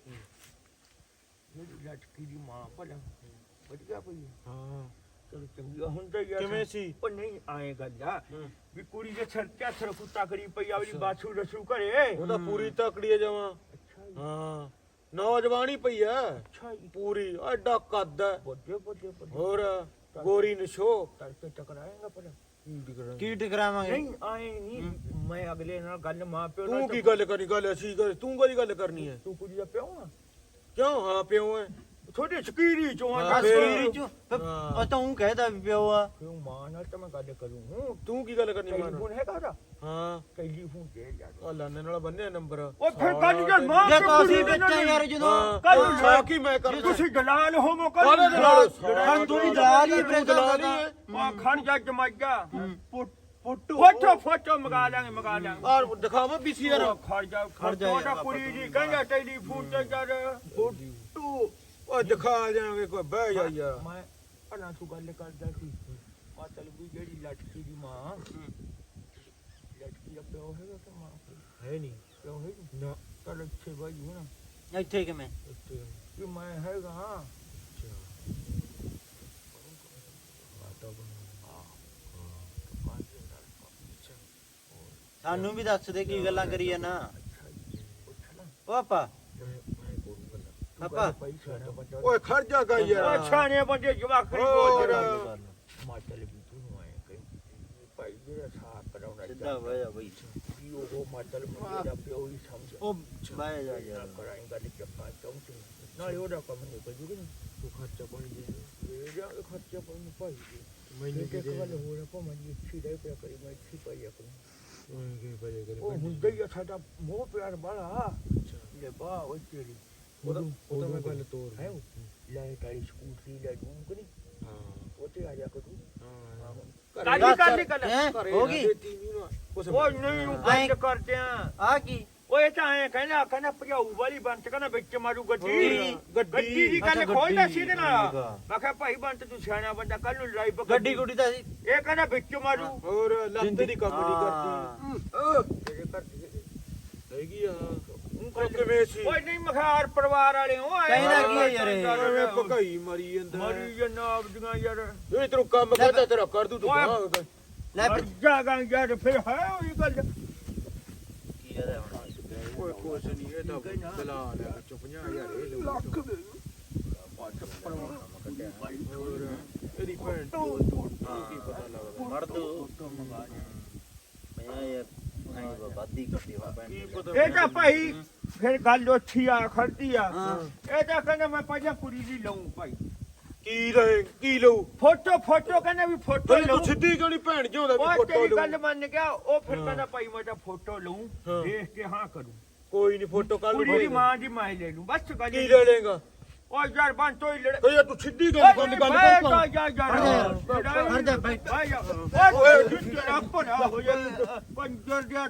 Speaker 1: ਮੇਰੀ ਲਟਕੀ ਦੀ ਮਾਂ ਭਲਾ ਵਧੀਆ ਪਈ
Speaker 3: ਹਾਂ
Speaker 1: ਚਲੋ ਚੰਗਾ ਹੁੰਦਾ ਯਾਰ
Speaker 3: ਕਿਵੇਂ ਸੀ?
Speaker 1: ਉਹ ਨਹੀਂ ਆਏ ਗੱਲ ਆ ਵੀ ਕੁੜੀ ਦੇ ਸਿਰ ਤੇ ਹੱਥ ਰੱਖੂ ਤਕੜੀ ਪਈ ਆਵਲੀ ਬਾਛੂ ਰਸੂ ਘਰੇ
Speaker 3: ਉਹ ਤਾਂ ਪੂਰੀ ਤਕੜੀ ਜਾਵਾਂ
Speaker 1: ਅੱਛਾ ਜੀ,
Speaker 3: ਹਾਂ ਨੌਜਵਾਨੀ ਪਈ ਐ
Speaker 1: ਅੱਛਾ ਜੀ
Speaker 3: ਪੂਰੀ ਐਡਾ ਕੱਦ ਐ
Speaker 1: ਵੱਡੇ ਵੱਡੇ ਵੱਡੇ
Speaker 3: ਹੋਰ ਗੋਰੀ ਨਸ਼ੋ
Speaker 1: ਤੜਕੇ ਟਕਰਾਏਗਾ ਪਰ
Speaker 3: ਕੀ ਟਿਕਰਾਂ
Speaker 2: ਕੀ ਟਕਰਾਵਾਂਗੇ
Speaker 4: ਨਹੀਂ ਆਏ ਨਹੀਂ ਮੈਂ ਅਗਲੇ ਨਾਲ ਗੱਲ ਮਾਂ ਪਿਓ
Speaker 3: ਤੂੰ ਕੀ ਗੱਲ ਕਰਨੀ ਗੱਲ ਅਸੀਂ ਕਰ ਤੂੰ ਕੋਈ ਗੱਲ ਕਰਨੀ ਹੈ
Speaker 4: ਤੂੰ ਕੁਝ ਦਾ ਪਿਓ ਆ
Speaker 3: ਕਿਉਂ ਹਾਂ ਪਿਓ ਹੈ
Speaker 4: ਛੋਟੇ ਸਕੀਰੀ ਚੋਂ ਆ
Speaker 3: ਹਾਂ, ਫੇਰ।
Speaker 2: ਅਸਕੀਰੀ ਚ ਉਹ ਤਾਂ ਉਹ ਕਹਿਦਾ ਵੀ ਪਿਓ ਆ
Speaker 4: ਕਿਉਂ ਮਾਂ ਨਾਲ ਤਾਂ ਮੈਂ ਗੱਲ ਕਰੂੰ ਹੂੰ
Speaker 3: ਤੂੰ ਕੀ ਗੱਲ ਕਰਨੀ ਮਾਨ
Speaker 4: ਟੈਲੀਫੋਨ ਹੈਗਾ ਉਹਦਾ
Speaker 3: ਹਾਂ
Speaker 4: ਟੈਲੀਫੋਨ ਦੇ ਯਾਰ
Speaker 3: ਆ ਲਾਨੇ ਨਾਲ ਬੰਨਿਆ ਨੰਬਰ
Speaker 4: ਉਹ ਫਿਰ ਕੱਲ ਜੇ ਮਾਂ
Speaker 2: ਜੇ
Speaker 4: ਪਿਓ
Speaker 2: ਕਾਸੀ
Speaker 4: ਕੁੜੀ ਦੇ
Speaker 2: ਬੱਚਾ
Speaker 4: ਨਾਲ
Speaker 2: ਯਾਰ ਜਦੋਂ
Speaker 4: ਕੱਲ
Speaker 3: ਕੱਲ ਸਾਕੀ ਮੈਂ ਕਰ
Speaker 4: ਤੁਸੀਂ ਦਲਾਲ ਹੋਵੋ ਕੱਲ
Speaker 3: ਕਾਹਦੇ ਦਲਾਲ?
Speaker 2: ਖਾਨ ਤੂੰ ਵੀ ਦਲਾਲ ਹੀ
Speaker 3: ਤੂੰ ਦਲਾਲ ਹੀ ਹੈ
Speaker 4: ਆ ਖਾਨ ਜਾ ਜਮਾਈਆ ਫੋਟੋ ਫੋਟੋ ਮੰਗਾ ਲਾਂਗੇ ਮੰਗਾ ਲਾਂਗੇ
Speaker 3: ਆ ਦਿਖਾਵਾ ਪੀਸੀ ਯਾਰ
Speaker 4: ਉਹ ਖੜ ਜਾ ਖੜ ਜਾ ਉਹਦਾ ਕੁੜੀ ਜੀ ਕਹਿੰਦਾ ਟੈਲੀਫੋਨ ਤੇ ਯਾਰ ਫੋਟੋ
Speaker 3: ਓ ਦਿਖਾ ਜਾਵਾਂਗੇ ਕੋਈ ਬਹਿ ਜਾ ਯਾਰ
Speaker 4: ਮੈਂ ਭਲਾ ਤੂੰ ਗੱਲ ਕਰਦਾ ਸੀ ਆ ਚੱਲ ਵੀ ਜਿਹੜੀ ਲਟਕੀ ਦੀ ਮਾਂ ਲਟਕੀ ਦਾ ਪਿਓ ਹੈਗਾ ਕਿ ਮਾਂ
Speaker 3: ਹੈ ਨਹੀਂ
Speaker 4: ਪਿਓ ਹੈ
Speaker 3: ਨਾ
Speaker 4: ਚੱਲ ਇੱਥੇ ਬਾਈ ਹੋਣਾ
Speaker 2: ਇੱਥੇ ਕਿਵੇਂ
Speaker 3: ਇੱਥੇ
Speaker 4: ਕਿ ਮੈਂ ਹੈਗਾ
Speaker 2: ਸਾਨੂੰ ਵੀ ਦੱਸ ਦੇ ਕੀ ਗੱਲਾਂ ਕਰੀ ਨਾ ਓ ਆਪਾ ਆਪਾ
Speaker 3: ਓਏ ਖੜ ਜਾ ਗਾ ਯਾਰ
Speaker 4: ਛਾਣੇ ਬੰਦੇ ਜਵਾਖੜੀ
Speaker 3: ਹੋਰ।
Speaker 4: ਬੋਲ ਮਾਚਲ ਵੀ ਤੂੰ ਆਏ ਕਈ ਭਾਈ ਜਿਹੜਾ ਸਾਫ ਕਰਾਉਣਾ
Speaker 2: ਸਿੱਧਾ ਬਹਿ ਜਾ ਬਈ
Speaker 4: ਕੀ ਉਹ ਮਾਚਲ ਮੁੰਡੇ ਦਾ ਪਿਓ ਹੀ ਸਮਝ
Speaker 2: ਉਹ ਬਹਿ ਜਾ ਯਾਰ
Speaker 4: ਕਰਾਈ ਗੱਲ ਚੱਪਾ ਚੌਂਚ ਨਾਲੇ ਉਹਦਾ ਕੰਮ ਨਹੀਂ ਕੋਈ ਜੁਗੀ
Speaker 3: ਤੂੰ ਖਰਚਾ ਪਾਣੀ ਦੇ
Speaker 4: ਇਹ ਜਾ ਖਰਚਾ ਪਾਉਣ ਭਾਈ
Speaker 3: ਮੈਨੂੰ
Speaker 4: ਇੱਕ ਗੱਲ ਹੋਰ ਆਪਾਂ ਮੈਂ ਇੱਥੇ ਰਹਿ ਪਿਆ ਕਰੀ ਮੈਂ ਇੱਥੇ ਪਾਈ ਆਪਣੀ
Speaker 3: ਓਏ ਕੀ ਪਏ ਕਰੇ
Speaker 4: ਉਹ ਹੁੰਦਾ ਹੀ ਆ ਸਾਡਾ ਮੋਹ ਪਿਆਰ ਵਾਲਾ ਲੈ ਬਾ ਉਹ ਤੇਰੀ
Speaker 3: ਉਹਦਾ ਉਹਦਾ ਮੈਂ ਗੱਲ ਤੋੜ
Speaker 4: ਹੈ ਲੈ ਤਾਰੀ ਸਕੂਟਰੀ ਲੈ ਦੂੰ ਕਿ ਨਹੀਂ
Speaker 3: ਹਾਂ
Speaker 4: ਉਹ ਤੇ ਆ ਜਾ ਕਰੂ
Speaker 3: ਹਾਂ
Speaker 4: ਕਾਲੀ ਕਾਲੀ ਕਰ
Speaker 2: ਹੈਂ? ਹੋ ਗਈ
Speaker 4: ਉਹ ਨਹੀਂ ਉਹ ਗੱਲ ਕਰਦੇ ਆ
Speaker 2: ਆ ਕੀ
Speaker 4: ਓਏ ਤਾਂ ਐ ਕਹਿੰਦਾ ਕਹਿੰਦਾ ਭਜਾਊ ਵਾਲੀ ਬੰਤ ਕਹਿੰਦਾ ਵਿੱਚ ਮਾਰੂ ਗੱਡੀ
Speaker 3: ਹੋਰ, ਗੱਡੀ।
Speaker 4: ਗੱਡੀ ਦੀ
Speaker 2: ਅੱਛਾ,
Speaker 4: ਗੱਲ
Speaker 2: ਗੱਡੀ।
Speaker 4: ਖੋਲਦਾ ਸੀ ਇਹਦੇ ਨਾਲ
Speaker 2: ਠੀਕ ਆ।
Speaker 4: ਮੈਂ ਕਿਹਾ ਭਾਈ ਬੰਤ ਤੂੰ ਸਿਆਣਾ ਬੰਦਾ ਕੱਲ ਨੂੰ ਲੜਾਈ ਪਾ
Speaker 2: ਗੱਡੀ ਗੁੱਡੀ ਤਾਂ ਸੀ
Speaker 4: ਇਹ ਕਹਿੰਦਾ ਵਿੱਚ ਮਾਰੂ
Speaker 3: ਹੋਰ ਲੱਤ ਦੀ ਕੰਮ ਨਹੀਂ ਕਰਦੀ
Speaker 4: ਤੇਰੇ ਘਰ ਦੀ
Speaker 3: ਹੈਗੀ ਆ ਉਹ ਕਿਵੇਂ ਸੀ
Speaker 4: ਓਏ ਨਹੀਂ ਮਖਾਰ ਪਰਿਵਾਰ ਵਾਲੇ ਹੋ ਆਏ
Speaker 2: ਕਹਿੰਦਾ ਕੀ ਹੈ ਯਾਰ ਇਹ?
Speaker 3: ਐਵੇਂ ਭਗਾਈ ਮਰੀ ਜਾਂਦਾ
Speaker 4: ਮਰੀ ਜਨਾਬ ਦੀਆਂ ਯਾਰ
Speaker 3: ਇਹ ਤੈਨੂੰ ਕੰਮ ਕਰਦਾ ਤੇਰਾ ਕਰ ਦੂ ਤੂੰ
Speaker 4: ਓਏ।
Speaker 3: ਬਾਹਰ।
Speaker 2: ਲੈ
Speaker 4: ਮਰ ਜਾਗਾ ਯਾਰ ਫਿਰ ਹੈ ਉਹੀ ਗੱਲ
Speaker 2: ਕੀ ਕਹਦਾ ਹੁਣ
Speaker 3: ਓਏ ਕੁਛ ਨਹੀਂ ਇਹ ਤਾਂ ਬਲਾ ਲੈ ਵਿੱਚੋਂ ਪੰਜਾਹ ਹਜ਼ਾਰ ਇਹ ਲਊ ਲੱਖ ਦੇ ਹੋਰ ਇਹਦੀ ਭੈਣ ਚੋਦ ਨੂੰ ਕੀ ਪਤਾ ਲੱਗਦਾ
Speaker 2: ਮੜ ਦੋ ਮੈਂ ਯਾਰ ਨਹੀਂ ਬਾਦੀ ਕੱਟੀ ਵਾ ਭੈਣ
Speaker 3: ਕੀ
Speaker 2: ਦੀ।
Speaker 3: ਪਤਾ
Speaker 4: ਇਹ ਤਾਂ ਭਾਈ ਫਿਰ ਗੱਲ ਉੱਠੀ ਆ ਖੜਦੀ ਆ
Speaker 2: ਹਾਂ।
Speaker 4: ਇਹ ਤਾਂ ਕਹਿੰਦਾ ਮੈਂ ਪਹਿਲਾਂ ਕੁੜੀ ਦੀ ਲਊਂ ਭਾਈ
Speaker 3: ਕੀ ਰਹੇ ਕੀ ਲਊ
Speaker 4: ਫੋਟੋ ਫੋਟੋ ਕਹਿੰਦਾ ਵੀ ਫੋਟੋ
Speaker 3: ਤੈਨੂੰ
Speaker 4: ਲਊਂ
Speaker 3: ਤੂੰ ਸਿੱਧੀ ਕਿਉਂ ਨਹੀਂ ਭੈਣ ਜਿਉਂਦਾ ਵੀ
Speaker 4: ਉਹ
Speaker 3: ਫੋਟੋ
Speaker 4: ਤੇਰੀ
Speaker 3: ਲਊ
Speaker 4: ਗੱਲ ਮੰਨ ਗਿਆ ਉਹ ਫਿਰ
Speaker 3: ਹਾਂ।
Speaker 4: ਕਹਿੰਦਾ ਭਾਈ ਮੈਂ ਤਾਂ ਫੋਟੋ ਲਊਂ
Speaker 3: ਹਾਂ।
Speaker 4: ਦੇਖ ਕੇ ਹਾਂ ਕਰੂੰ
Speaker 3: ਕੋਈ ਨਹੀਂ ਫੋਟੋ ਕੱਲ
Speaker 4: ਕੁੜੀ ਦੀ ਮਾਂ ਦੀ ਮੈਂ ਲੈ ਲੂੰ ਬਸ ਗੱਲ
Speaker 3: ਕੀ ਲੈ ਲੇਗਾ
Speaker 4: ਉਹ ਯਾਰ ਬਣ ਤੋਈ ਲੜ
Speaker 3: ਓਏ ਯਾਰ ਤੂੰ ਸਿੱਧੀ ਗੱਲ ਗੱਲ ਗੱਲ ਕਰ
Speaker 4: ਜਾ ਜਾ ਜਾ
Speaker 2: ਖੜ ਜਾ ਯਾਰ, ਖੜ ਜਾ ਬੈਠ।
Speaker 4: ਓਏ ਤੇਰਾ ਭਲਾ ਹੋ ਜਾ ਪੰਜਰ ਦਿਆ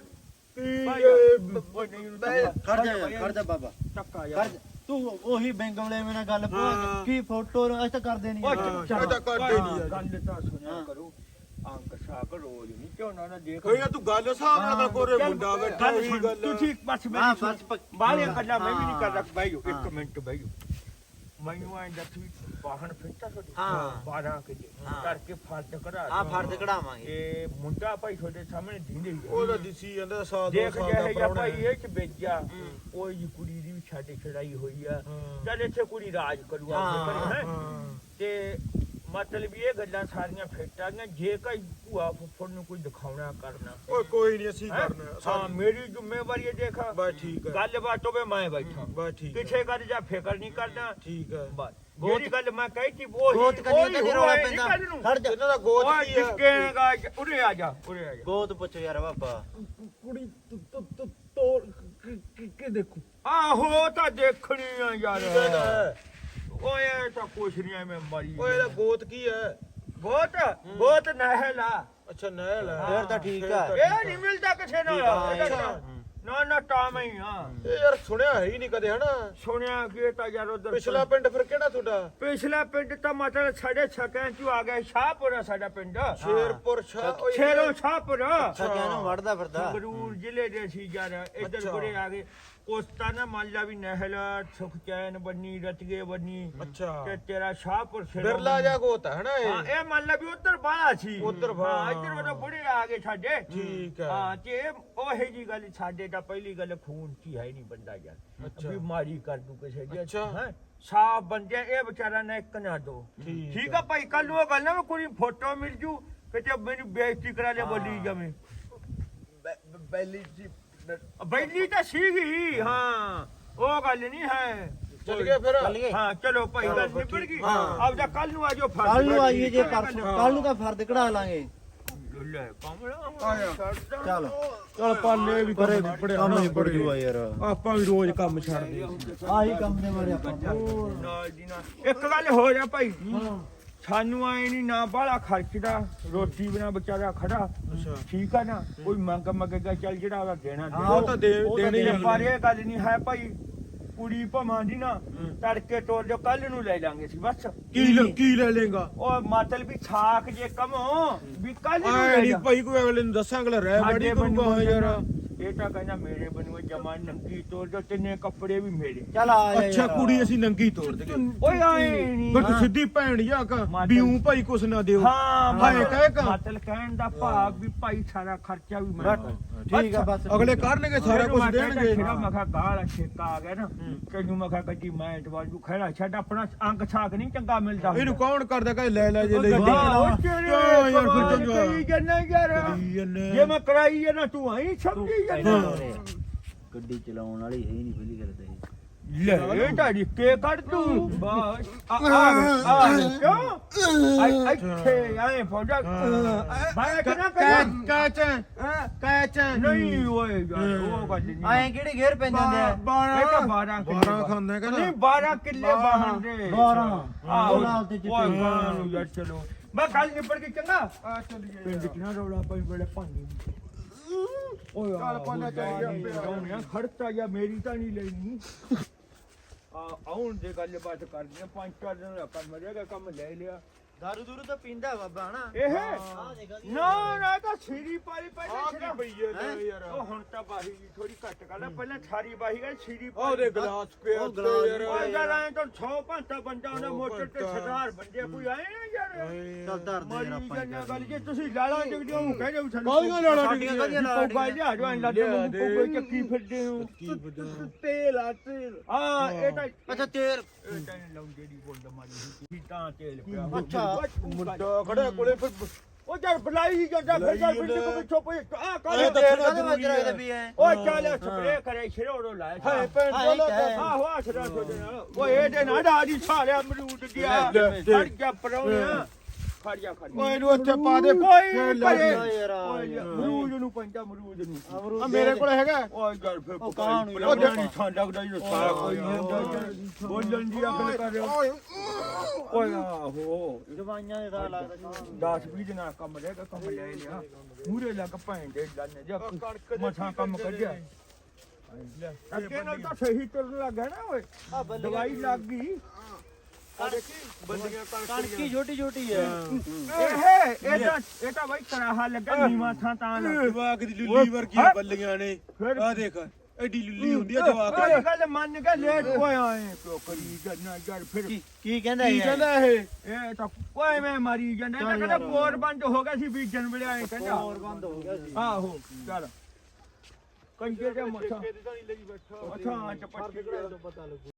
Speaker 2: ਖੜ ਜਾ ਯਾਰ ਖੜ ਜਾ ਬਾਬਾ
Speaker 4: ਟੱਕਾ
Speaker 2: ਖੜ
Speaker 4: ਯਾਰ
Speaker 2: ਜਾ। ਤੂੰ ਉਹੀ ਬੈਂਗਮਲੇ ਮੇਰੇ ਨਾਲ ਗੱਲ ਪਾ
Speaker 3: ਹਾਂ।
Speaker 2: ਕੀ ਫੋਟੋ ਅਸੀਂ ਤਾਂ ਕਰਦੇ ਨਹੀਂ
Speaker 4: ਉਹ
Speaker 2: ਯਾਰ।
Speaker 4: ਚੱਲ
Speaker 3: ਇਹ ਤਾਂ ਕਰਦੇ ਨੀ ਯਾਰ।
Speaker 4: ਗੱਲ ਤਾਂ ਸੁਣਿਆ
Speaker 2: ਹਾਂ।
Speaker 4: ਕਰੋ ਅੰਕ ਸਾਕ ਰੋਜ਼ ਨਹੀਂ ਝੋਨਾ ਨਾ ਦੇਖ
Speaker 3: ਓਏ ਯਾਰ ਤੂੰ ਗੱਲ ਹਿਸਾਬ ਨਾਲ ਕੋਰੇ ਮੁੰਡਾ ਬੈਠਾ ਉਹੀ ਗੱਲ
Speaker 4: ਤੂੰ ਠੀਕ ਬਸ
Speaker 2: ਹਾਂ,
Speaker 4: ਮੇਰੀ
Speaker 2: ਬਸ
Speaker 4: ਸੁਣ
Speaker 2: ਪੱਕ-
Speaker 4: ਬਾਹਲੀਆਂ ਗੱਲਾਂ ਮੈਂ ਵੀ ਨਹੀਂ ਕਰਦਾ
Speaker 2: ਹਾਂ।
Speaker 4: ਬਾਈ ਇੱਕ
Speaker 2: ਹਾਂ।
Speaker 4: ਮਿੰਟ ਬਾਈ ਮੈਨੂੰ ਆਂ ਦੱਸੀ ਵਾਹਨ ਫਿੱਟਾ ਤੁਹਾਡੇ
Speaker 2: ਹਾਂ।
Speaker 4: ਬਾਰਾਂ ਕਿਲੇ
Speaker 2: ਹਾਂ।
Speaker 4: ਕਰਕੇ ਫਰਦ ਕਢਾ
Speaker 2: ਆ ਫਰਦ ਕਢਾਵਾਂਗੇ
Speaker 4: ਇਹ ਮੁੰਡਾ ਭਾਈ ਤੁਹਾਡੇ ਸਾਹਮਣੇ ਦਿੰਦੇ ਹੀ ਆ।
Speaker 3: ਉਹਦਾ ਦਿਸੀ ਜਾਂਦਾ ਸਾਲ ਦੋ
Speaker 4: ਦੇਖ
Speaker 3: ਸਾਲ
Speaker 4: ਜੇ
Speaker 3: ਦਾ
Speaker 4: ਜਾਂ
Speaker 3: ਪ੍ਰਾਹੁਣਾ
Speaker 4: ਭਾਈ
Speaker 3: ਹੈ।
Speaker 4: ਇਹ ਚ ਵੇਜਿਆ ਉਹ ਜੀ ਕੁੜੀ ਦੀ ਵੀ ਛਾਟੇ ਛੜਾਈ ਹੋਈ ਆ
Speaker 3: ਹਾਂ।
Speaker 4: ਚੱਲ ਇੱਥੇ ਕੁੜੀ ਰਾਜ ਕਰੂ ਆਪਣੇ
Speaker 2: ਹਾਂ,
Speaker 4: ਘਰੇ ਹੈ
Speaker 3: ਹਾਂ
Speaker 4: ਤੇ ਮਤਲਬ ਇਹ ਗੱਲਾਂ ਸਾਰੀਆਂ ਫਿੱਟ ਆ ਗਈਆਂ ਜੇ ਕੋਈ ਭੂਆ ਫੁੱਫੜ ਨੂੰ ਕੋਈ ਦਿਖਾਉਣਾ ਕਰਨਾ
Speaker 3: ਓਏ ਕੋਈ ਨਹੀਂ ਅਸੀਂ
Speaker 4: ਹੈਂ?
Speaker 3: ਕਰਨਾ
Speaker 4: ਹਾਂ
Speaker 3: ਸਾਡੀ-
Speaker 4: ਮੇਰੀ ਜ਼ਿੰਮੇਵਾਰੀ ਹੈ ਦੇਖ
Speaker 3: ਬਸ ਠੀਕ ਹੈ
Speaker 4: ਗੱਲਬਾਤ ਹੋਵੇ ਮੈਂ ਬੈਠਾ
Speaker 3: ਬਸ ਠੀਕ ਹੈ
Speaker 4: ਕਿਸੇ ਗੱਲ ਜਾਂ ਫਿਕਰ ਨਹੀਂ ਕਰਦਾ
Speaker 3: ਠੀਕ ਹੈ
Speaker 4: ਬਸ
Speaker 2: ਗੋਤ-
Speaker 4: ਜਿਹੜੀ ਗੱਲ ਮੈਂ ਕਹੀ ਸੀ ਉਹ
Speaker 2: ਗੋਤ ਕੰਨੀ ਤਾਂ ਰੌਲਾ ਪੈਂਦਾ ਖੜ ਜਾ
Speaker 3: ਇਹਨਾਂ ਦਾ ਗੋਤ
Speaker 4: ਓਏ
Speaker 3: ਕੀ ਹੈ
Speaker 4: ਜਿੱਕੇਗਾ ਉਰੇ ਆ ਜਾ ਉਰੇ ਆ ਜਾ
Speaker 2: ਗੋਤ ਪੁੱਛ ਯਾਰ ਬਾਬਾ
Speaker 3: ਕੁੜੀ ਤੋੜ ਕਿ ਦੇਖੂ
Speaker 4: ਆਹੋ ਤਾਂ ਦੇਖਣੀ ਆ ਯਾਰ
Speaker 3: ਕੀ ਕਹਿੰਦਾ ਹੈ?
Speaker 4: ਓਏ ਇਹ ਤਾਂ ਕੁਛ ਨਹੀਂ ਐਵੇਂ ਮਰੀ
Speaker 3: ਓਏ ਇਹਦਾ ਗੋਤ ਕੀ ਹੈ
Speaker 4: ਗੋਤ ਗੋਤ ਨਹਿਲਾ
Speaker 3: ਅੱਛਾ ਨਹਿਲ ਹੈ
Speaker 2: ਫੇਰ ਤਾਂ ਠੀਕ
Speaker 3: ਫੇਰ
Speaker 2: ਆ।
Speaker 3: ਤਾਂ
Speaker 4: ਇਹ ਨਹੀਂ ਮਿਲਦਾ ਕਿਸੇ ਨਾਲ
Speaker 2: ਹਾਂ,
Speaker 4: ਇਹਦਾ
Speaker 2: ਇਹ
Speaker 4: ਤਾਂ-
Speaker 2: ਤਾਂ-
Speaker 4: ਨਾ ਨਾ ਟਾਮ ਹੀ ਆ
Speaker 3: ਇਹ ਯਾਰ ਸੁਣਿਆ ਹੈ ਹੀ ਨਹੀਂ ਕਦੇ ਹਨਾ
Speaker 4: ਸੁਣਿਆ ਕਿ ਤਾਂ ਯਾਰ ਉਧਰ
Speaker 3: ਪਿਛਲਾ ਪਿੰਡ ਫਿਰ ਕਿਹੜਾ ਤੁਹਾਡਾ
Speaker 4: ਪਿਛਲਾ ਪਿੰਡ ਤਾਂ ਮਤਲਬ ਸਾਡੇ ਛਕਾਂ ਚ ਆ ਗਿਆ ਸ਼ਾਹਪੁਰਾ ਸਾਡਾ ਪਿੰਡ
Speaker 3: ਸ਼ੇਰਪੁਰ ਸ਼ਾਹ ਓਏ
Speaker 4: ਛੇਰੋ ਸ਼ਾਹਪੁਰਾ
Speaker 2: ਸਕਿਆ ਨੂੰ ਵੜਦਾ ਫਿਰਦਾ
Speaker 4: ਸੰਗਰੂਰ ਜ਼ਿਲ੍ਹੇ ਦੇ ਸੀ ਯਾਰ ਇੱਧਰ
Speaker 3: ਅੱਛਾ।
Speaker 4: ਗੁਰੇ ਆ ਗਏ ਕੋਸਤਾ ਨਾ ਮੰਨ ਲਾ ਵੀ ਨਹਿਲ ਸੁਖਚੈਨ ਬੰਨੀ ਰਤਗੇ ਬੰਨੀ
Speaker 3: ਅੱਛਾ
Speaker 4: ਤੇ ਤੇਰਾ ਸ਼ਾਹਪੁਰ ਛੇਰੋ
Speaker 3: ਬਿਰਲਾ ਜਾ ਗੋਤ ਹੈ ਹਨਾ
Speaker 4: ਹਾਂ
Speaker 3: ਇਹ
Speaker 4: ਇਹ ਮੰਨ ਲਾ ਵੀ ਉਧਰ ਬਾਹਲਾ ਸੀ
Speaker 3: ਉੱਧਰ
Speaker 4: ਹਾਂ
Speaker 3: ਬਾਹਲਾ।
Speaker 4: ਇੱਧਰ ਵਾਲਾ ਬੁੜੇ ਆ ਗਏ ਸਾਡੇ
Speaker 3: ਠੀਕ ਹੈ
Speaker 4: ਹਾਂ ਤੇ ਉਹੇ ਜੀ ਗੱਲ ਸਾਡੇ ਤਾਂ ਪਹਿਲੀ ਗੱਲ ਖੂਨ ਚ ਹੀ ਹੈ ਨਹੀਂ ਬੰਦਾ ਯਾਰ
Speaker 3: ਅੱਛਾ।
Speaker 4: ਬਿਮਾਰੀ ਕਰ ਦੂ ਕਿਸੇ ਦੀ
Speaker 3: ਅੱਛਾ।
Speaker 4: ਹੈਂ? ਸਾਫ ਬੰਦੇ ਇਹ ਵਿਚਾਰਾ ਨਾ ਇੱਕ ਨਾ ਦੋ
Speaker 3: ਠੀਕ
Speaker 4: ਠੀਕ ਆ ਭਾਈ ਕੱਲ ਨੂੰ ਉਹ ਗੱਲ ਨਾ ਵੀ ਕੋਈ ਫੋਟੋ ਮਿਲ ਜੂ ਕਿਤੇ ਮੈਨੂੰ ਬੇਇੱਜ਼ਤੀ ਕਰਾ ਲਿਆ ਬੋਲੀ ਜਵੇਂ
Speaker 3: ਬੈਲੀ ਜੀ
Speaker 4: ਬੈਲੀ ਤਾਂ ਸੀਗੀ ਹਾਂ ਉਹ ਗੱਲ ਨਹੀਂ ਹੈ
Speaker 3: ਚੱਲ ਗਏ ਫਿਰ
Speaker 4: ਹਾਂ ਚਲੋ ਭਾਈ ਗੱਲ ਨਿਬੜ ਗਈ ਆਪ ਜਾ ਕੱਲ ਨੂੰ ਆਜੋ ਫੜ
Speaker 2: ਕੱਲ ਨੂੰ ਆਈਏ ਜੇ ਪਰਸੋਂ ਕੱਲ ਨੂੰ ਤਾਂ ਫਰਦ ਕਢਾ ਲਾਂਗੇ
Speaker 4: ਲੈ ਕਮਲਾ
Speaker 2: ਚੱਲ
Speaker 3: ਚੱਲ ਪਾਲੇ ਵੀ ਕਰੇ ਨਿਬੜਿਆ
Speaker 2: ਕੰਮ ਨਿਬੜ ਜੂਆ ਯਾਰ
Speaker 3: ਆਪਾਂ ਵੀ ਰੋਜ਼ ਕੰਮ ਛੱਡਦੇ
Speaker 2: ਆਹੀ ਕੰਮ ਦੇ ਮਾਰੇ ਆਪਾਂ
Speaker 4: ਨਾਲ ਦੀ ਨਾਲ ਇੱਕ ਗੱਲ ਹੋ ਜਾ ਭਾਈ ਸਾਨੂੰ ਆਏ ਨਹੀਂ ਨਾ ਬਾਹਲਾ ਖਰਚਦਾ ਰੋਟੀ ਬਿਨਾ ਵਿਚਾਰਾ ਖੜਾ ਠੀਕ ਆ ਨਾ ਕੋਈ ਮੰਗ ਮੰਗੇਗਾ ਚੱਲ ਜਿਹੜਾ ਉਹਦਾ ਦੇਣਾ ਦੇ
Speaker 3: ਉਹ ਤਾਂ ਦੇ ਦੇਣੀ ਆ
Speaker 4: ਪਰ ਇਹ ਗੱਲ ਨਹੀਂ ਹੈ ਭਾਈ ਕੁੜੀ ਭਵਾਂ ਦੀ ਨਾ ਤੜਕੇ ਤੋਰ ਜੋ ਕੱਲ ਨੂੰ ਲੈ ਜਾਾਂਗੇ ਸੀ ਬਸ
Speaker 3: ਕੀ ਲੈ- ਕੀ ਲੈ ਲੇਗਾ
Speaker 4: ਉਹ ਮਤਲਬ ਵੀ ਛਾਕ ਜੇ ਕਮੋ ਵੀ ਕੱਲ ਨੂੰ
Speaker 3: ਆਏ
Speaker 4: ਲੈ
Speaker 3: ਨਹੀਂ
Speaker 4: ਜਾ
Speaker 3: ਭਾਈ ਕੋਈ ਅਗਲੇ ਨੂੰ ਦੱਸਾਂ ਅਗਲਾ ਰਹਿ ਬੜੀ
Speaker 4: ਸਾਡੇ
Speaker 3: ਕਰੂਗਾ
Speaker 4: ਬਣੂਗਾ
Speaker 3: ਯਾਰ
Speaker 4: ਇਹ ਤਾਂ ਕਹਿੰਦਾ ਮੇਰੇ ਬਣੂਗਾ ਜਮਾ ਨੰਗੀ ਤੋਰ ਜੋ ਤਿੰਨੇ ਕੱਪੜੇ ਵੀ ਮੇਰੇ
Speaker 2: ਚੱਲ ਆ ਜਾ
Speaker 3: ਅੱਛਾ
Speaker 2: ਯਾਰ।
Speaker 3: ਕੁੜੀ ਅਸੀਂ ਨੰਗੀ ਤੋੜ ਦਗੇ
Speaker 4: ਓਏ ਆਏ ਨਹੀਂ
Speaker 3: ਬਸ ਸਿੱਧੀ ਭੈਣ ਜਾ ਕਾ
Speaker 4: ਮਾਤਾ-
Speaker 3: ਬਿਉ ਭਾਈ ਕੁਛ ਨਾ ਦਿਓ
Speaker 4: ਹਾਂ
Speaker 3: ਭਾਈ ਕਹਿ ਕਾ
Speaker 4: ਮਤਲਬ ਕਹਿਣ ਦਾ ਭਾਵ ਵੀ ਭਾਈ ਸਾਰਾ ਖਰਚਾ ਵੀ ਮੈਂ
Speaker 2: ਠੀਕ ਆ ਬਸ
Speaker 3: ਅਗਲੇ ਕਰਨਗੇ ਸਾਰਾ ਕੁਝ ਦੇਣਗੇ
Speaker 4: ਜਿਹੜਾ ਮੈਂ ਕਿਹਾ ਗਾਲ ਛੇਕਾ ਆ ਗਿਆ ਨਾ ਤੈਨੂੰ ਮੈਂ ਕਿਹਾ ਗੱਡੀ ਮੈਂ ਦਵਾਜੂ ਖੜਾ ਛੱਡ ਆਪਣਾ ਅੰਗ ਛਾਕ ਨਹੀਂ ਚੰਗਾ ਮਿਲਦਾ
Speaker 3: ਇਹਨੂੰ ਕੌਣ ਕਰਦਾ ਕਹੇ ਲੈ ਲੈ ਜੇ ਲਈ
Speaker 2: ਗੱਡੀ
Speaker 4: ਵਾਹ, ਤੇਰੇ
Speaker 3: ਕਿਉਂ ਯਾਰ ਫਿਰ
Speaker 4: ਕਮਾਲ
Speaker 3: ਚੰਗਾ।
Speaker 4: ਕਰੀ ਜਾਂਦਾ ਯਾਰ
Speaker 3: ਕਰੀ ਜਾਂਦੇ।
Speaker 4: ਜੇ ਮੈਂ ਕਰਾਈ ਹੈ ਨਾ ਤੂੰ ਆਈ ਸਮਝੀ ਜਾਂਦਾ
Speaker 2: ਗੱਡੀ ਚਲਾਉਣ ਵਾਲੀ ਹੈ ਹੀ ਨਹੀਂ ਪਹਿਲੀ ਗੱਲ ਤਾਂ ਇਹ
Speaker 4: ਲੈ ਇਹ ਤਾਂ ਰਿੱਕੇ ਕੱਢ ਤੂੰ ਬਸ ਆ ਆ ਆ ਕਿਉਂ ਆਈ ਇੱਥੇ ਆਏ ਫੋੜਾ ਬਾਇਆ ਕਿਨਾ
Speaker 3: ਕੈ
Speaker 4: ਕਰ
Speaker 3: ਕੈਚ ਕੈਚ
Speaker 4: ਨਹੀਂ ਓਏ ਯਾਰ ਉਹ ਗੱਲ ਨਹੀਂ
Speaker 2: ਆਏ ਕਿਹੜੇ ਘੇਰ ਪੈਂਦੇ ਹੁੰਦੇ ਆ
Speaker 4: ਇਹ ਤਾਂ ਬਾਰਾਂ ਕਿੱਲੇ
Speaker 3: ਬਾਰਾਂ ਖਾਂਦਾ ਕਹਿੰਦਾ
Speaker 4: ਨਹੀਂ ਬਾਰਾਂ ਕਿੱਲੇ ਬਾਹਣ ਦੇ
Speaker 2: ਬਾਰਾਂ
Speaker 4: ਆਹੋ
Speaker 2: ਉਹ ਨਾਲ ਤੇ ਚਿੱਟੇ
Speaker 4: ਓਏ ਬਾਰਾਂ ਨੂੰ ਯਾਰ ਚਲੋ ਮੈਂ ਕੱਲ ਨਿਪੜ ਕੇ ਚੰਗਾ
Speaker 3: ਆ ਚੱਲੀਏ
Speaker 4: ਪਿੰਡ ਕਿਨਾ ਰੌਲਾ ਪਈ ਬੜੇ ਭਾਂਡੇ ਓਏ
Speaker 3: ਚੱਲ ਪਾਣਾ ਚਾਹੀਦਾ
Speaker 4: ਖੜਤਾ ਜਾਂ ਮੇਰੀ ਤਾਂ ਨਹੀਂ ਲੈਣੀ ਆ ਆਉਣ ਦੇ ਗੱਲ ਬਾਤ ਕਰਦੇ ਆ ਪੰਜ ਚਾਰ ਦਿਨ ਦਾ ਕੰਮ ਰਹੇਗਾ ਕੰਮ ਲੈ ਲਿਆ
Speaker 2: ਦਾਰੂ ਦੂਰੂ ਤਾਂ ਪੀਂਦਾ ਬਾਬਾ ਹਨਾ
Speaker 4: ਇਹ ਨਾ ਨਾ ਤਾਂ ਸੀਰੀ ਪਾਲੀ
Speaker 3: ਆ
Speaker 4: ਪਹਿਲਾਂ
Speaker 3: ਕੀ
Speaker 4: ਛੜਾ
Speaker 3: ਪਈ ਹੈ ਯਾਰ
Speaker 4: ਉਹ ਹੁਣ ਤਾਂ ਬਾਹੀ ਜੀ ਥੋੜੀ ਘੱਟ ਕਰ ਲੈ ਪਹਿਲਾਂ ਸਾਰੀ ਬਾਹੀ ਗਈ ਸੀਰੀ
Speaker 3: ਆ ਉਹਦੇ ਗਲਾਸ ਪਿਆ
Speaker 2: ਉਹ ਗਲਾਸ
Speaker 3: ਯਾਰ
Speaker 4: ਓਏ ਯਾਰ ਐਂ ਤਾਂ ਸੌ ਪੰਤਾ ਬੰਦਾ ਉਹਨੇ
Speaker 3: ਸੌ
Speaker 4: ਮੋਟਰ ਤੇ
Speaker 3: ਪੰਤਾ।
Speaker 4: ਸਰਦਾਰ ਬੰਦੇ ਕੋਈ ਆਏ ਨਾ ਯਾਰ
Speaker 2: ਚੱਲ ਧਰ ਦੇ ਯਾਰ
Speaker 4: ਮਾਰੀ
Speaker 2: ਆਪਾਂ
Speaker 4: ਜੰਨਾ ਗੱਲ ਜੇ ਤੁਸੀਂ ਲਾਲਾਂ ਜਗਦੇ ਹੋ ਕਹਿੰਦੇ ਹੋ ਸਾਨੂੰ
Speaker 3: ਕਾਹਦੀਆਂ ਲਾਲਾਂ
Speaker 2: ਸਾਡੀਆਂ ਕਾਹਦੀਆਂ ਲਾਲਾਂ
Speaker 4: ਕੋਈ ਗੱਲ ਲਿਆ ਜੋ ਐਂ ਲੱਗ
Speaker 3: ਲਿਆ
Speaker 4: ਮੈਨੂੰ
Speaker 3: ਦੇ।
Speaker 4: ਕੋਈ ਚੱਕੀ ਫਿਰਦੇ ਹੋ
Speaker 3: ਕੀ ਬਦਾ
Speaker 4: ਤੇਲ ਆ ਤੇਲ ਹਾਂ ਇਹ ਤਾਂ
Speaker 2: ਅੱਛਾ ਤੇਰ
Speaker 4: ਇਹ ਤਾਂ ਲਾਉਂਦੇ ਦੀ ਬੋਲ ਮਾਰੀ ਸੀ ਤਾਂ ਤੇਲ ਪਿਆ
Speaker 2: ਅੱਛਾ।
Speaker 3: ਮੁੰਡਾ ਖੜਾ ਕੋਲੇ ਫਿਰ
Speaker 4: ਉਹ ਜਰ ਬੁਲਾਈ ਜਾਂਦਾ ਫਿਰ ਜਰ ਪਿੰਡ ਕੋ ਪਿੱਛੋਂ ਪਈ ਆ
Speaker 3: ਇਹ
Speaker 4: ਕਾਲੇ
Speaker 3: ਤਾਂ
Speaker 2: ਤੇਰ
Speaker 3: ਥੋੜ੍ਹਾ
Speaker 2: ਕਾਹਦੇ ਵੱਜ
Speaker 3: ਜ਼ਰੂਰੀ
Speaker 2: ਰਿਹਾ
Speaker 3: ਹੈ।
Speaker 2: ਵੀ ਐ
Speaker 4: ਓਏ ਚੱਲ ਸਪਰੇ ਕਰੇ ਛਿਰੋੜੋ ਲਾਇਆ
Speaker 3: ਹਾਏ ਭੈਣ
Speaker 2: ਹਾਏ
Speaker 3: ਬੋਲਾ
Speaker 2: ਕਹਿ।
Speaker 4: ਆਹੋ ਆ ਛੜਾ ਛੋੜੇ ਨਾਲ ਓਏ ਇਹਦੇ ਨਾਲ ਡਾਜੀ ਸਾਲਿਆ ਅਮਰੂਦ ਗਿਆ
Speaker 3: ਲੈ, ਲੈ।
Speaker 4: ਖੜ ਜਾ ਪਰੌਣਿਆ ਖੜ ਜਾ ਖੜ ਜਾ
Speaker 3: ਓਏ ਇਹਨੂੰ ਇੱਥੇ ਪਾ ਦੇ
Speaker 4: ਕੋਈ
Speaker 3: ਫੇਰ ਲੈ
Speaker 4: ਪਰੇ।
Speaker 3: ਜੀ।
Speaker 2: ਯਾਰ
Speaker 4: ਓਏ ਅਮਰੂਦ ਨੂੰ ਪੰਜਾ ਅਮਰੂਦ ਨੂੰ
Speaker 3: ਆ ਮੇਰੇ ਕੋਲ ਹੈਗਾ
Speaker 4: ਓਏ ਯਾਰ ਫਿਰ
Speaker 2: ਉਹ ਕਾਹਨੂੰ ਯਾਰ?
Speaker 4: ਉਹ ਜਾਨੀ ਛਾਂ ਲੱਗਦਾ ਜੀ ਸਾਰਾ ਕੋਈ ਨਹੀਂ ਬੋਲਣ ਦੀ ਅਕਲ ਕਰ ਰਿਹਾ
Speaker 3: ਓਏ
Speaker 4: ਓਏ ਆਹੋ
Speaker 2: ਦਵਾਈਆਂ ਦੇ ਦਾ ਲੱਗਦਾ
Speaker 4: ਦਸ ਵੀਹ ਦਿਨਾਂ ਕੰਮ ਰਹੇਗਾ ਕੰਮ ਲੈ ਲਿਆ ਮੂਰੇ ਲੱਗ ਭੈਣ ਦੇ ਲੰਨ ਜਾ ਮਠਾ ਕੰਮ ਕੱਢਿਆ ਅੱਗੇ ਨਾਲ ਤਾਂ ਸਹੀ ਤੁਰਨ ਲੱਗਾ ਨਾ ਓਏ ਦਵਾਈ ਲੱਗ ਗਈ
Speaker 3: ਆ ਦੇਖੀ ਬੰਦੀਆਂ
Speaker 2: ਕਣਕੀ ਛੋਟੀ ਛੋਟੀ ਐ
Speaker 4: ਇਹ ਇਹ ਤਾਂ ਇਹ ਤਾਂ ਬਾਈ ਕਰਾਹਾ ਲੱਗਾ ਨੀਵਾ ਥਾਂ ਤਾਂ ਲੱਗ
Speaker 3: ਜਵਾਕ ਦੀ ਲੁੱਲੀ ਵਰਗੀਆਂ ਬੱਲੀਆਂ ਨੇ
Speaker 4: ਫਿਰ-
Speaker 3: ਆ ਦੇਖ ਐਡੀ ਲੁੱਲੀ ਹੁੰਦੀ ਆ ਜਵਾਕ
Speaker 4: ਕੋਈ
Speaker 3: ਦੀ
Speaker 4: ਗੱਲ ਮੰਨ ਕੇ ਲੇਟ ਹੋਏ ਆਏ ਕਿਉਂ ਕਰੀ ਜੰਨਾ ਯਾਰ ਫਿਰ
Speaker 2: ਕੀ ਕੀ ਕਹਿੰਦਾ
Speaker 3: ਕੀ
Speaker 2: ਇਹ
Speaker 3: ਕਹਿੰਦਾ ਇਹ
Speaker 4: ਇਹ ਤਾਂ ਕੋਈ ਮੈਂ ਮਾਰੀ ਜਾਂਦਾ ਇਹ ਤਾਂ ਕਹਿੰਦਾ ਬੋਰ ਬੰਦ ਹੋ ਗਿਆ ਸੀ ਬੀਜਣ ਵੇਲੇ ਆਏ ਕਹਿੰਦਾ
Speaker 2: ਹੋਰ ਬੰਦ ਹੋ ਗਿਆ ਸੀ
Speaker 4: ਆਹੋ ਚੱਲ ਕੰਜੇ ਦੇ ਮੱਥਾ
Speaker 3: ਦੀ ਤਾਂ ਨਹੀਂ ਲਈ ਬੈਠਾ
Speaker 4: ਅੱਛਾ ਚਪੱਟੀ
Speaker 3: ਪਤਾ ਲੱਗੂ